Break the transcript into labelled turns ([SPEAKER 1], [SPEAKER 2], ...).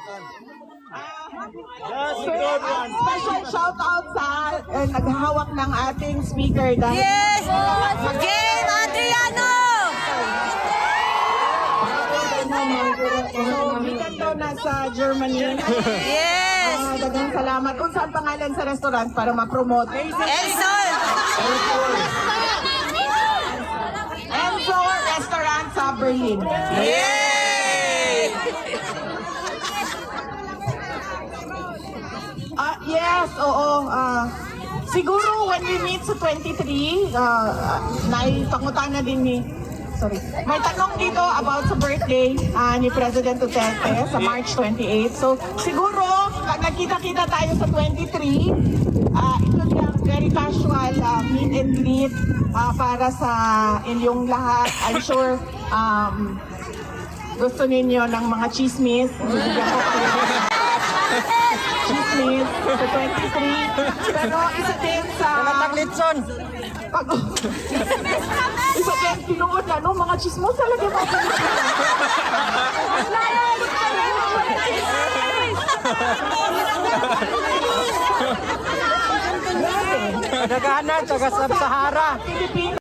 [SPEAKER 1] Special shout out sa naghahawak ng ating speaker dahil
[SPEAKER 2] Yes! Game Adriano!
[SPEAKER 1] so bigan daw nasa Germany.
[SPEAKER 2] Yes!
[SPEAKER 1] Dagang salamat. Kung saan pangalan sa restaurant para ma-promote?
[SPEAKER 2] Elson!
[SPEAKER 1] Enzo Restaurant sa Berlin.
[SPEAKER 2] Yay!
[SPEAKER 1] Yes, oo. Siguro when we meet sa 23, naipangutan na din ni... Sorry. May tanong dito about sa birthday ni President Duterte sa March 28. So siguro, pag nagkita-kita tayo sa 23, ito yung very casual meet and greet para sa inyong lahat. I'm sure gusto ninyo ng mga chismis. Bibigyan ko kayo ng chismis sa 23. Pero isa din sa...
[SPEAKER 3] Taglitson.
[SPEAKER 1] Isa din, tinuod na, no? Mga chismos talaga mga
[SPEAKER 3] Naghahanap, taga Sahara.
[SPEAKER 1] Pilipino.